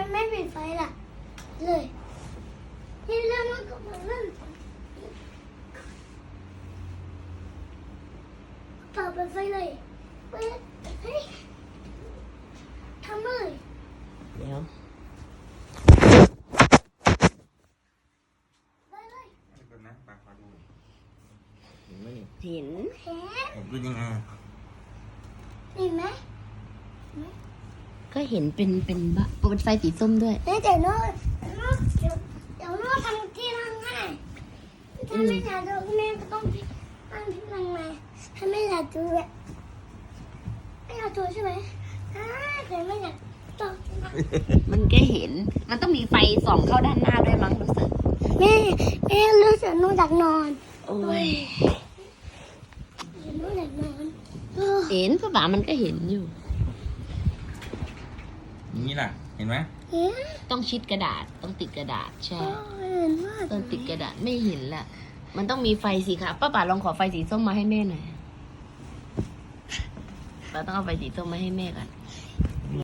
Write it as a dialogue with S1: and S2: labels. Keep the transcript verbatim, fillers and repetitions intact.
S1: ไม่ปิดไฟล่ะเลยที่เรื่องมันก็มาเล่นต่อไปไฟเลยเปิดเฮ้ยทำเลย
S2: เดี๋ยว
S1: ไปเลย
S3: เดี๋ยวนะปากขอดู
S2: เห็นไหมนี่เห็น
S1: เห็น
S3: เห็นเป็นยังไง
S1: เห็นไหม
S2: ก็เห็นเป็นเป็นบะเป็นไฟสีส้มด้วย
S1: เดี๋ยวเดี๋ยวโน้ตโน้ตเดี๋ยวเดี๋ยวโน้ตทำที่ร่างให้ถ้าไม่อยากดูแม่ก็ต้องตั้งที่ร่างมาถ้าไม่อยากดูแบบไม่อยากดูใช่ไหมอ่าแต่ไม่อยากดู
S2: มันก็เห็น มันต้องมีไฟส่องเข้าด้านหน้าด้วยมั้งรู้สึก
S1: แม่แม่รู้สึกโน้ตอยากนอน
S2: โอ้ย
S1: โน้ตอยากนอนเออ
S2: เห็นป้าป๋ามันก็เห็นอยู่
S3: อย่างนี้ล่ะ เห็นไหม
S1: เห็น
S2: ต้องชิดกระดาษ ต้องติดกระดาษ ใช่
S1: เออเห็นว่า
S2: ตอนติดกระดาษไม่เห็นละมันต้องมีไฟสีขาวป้าป๋าลองขอไฟสีส้มมาให้แม่หน่อยป้าต้องเอาไฟสีส้มมาให้แม่ก่อน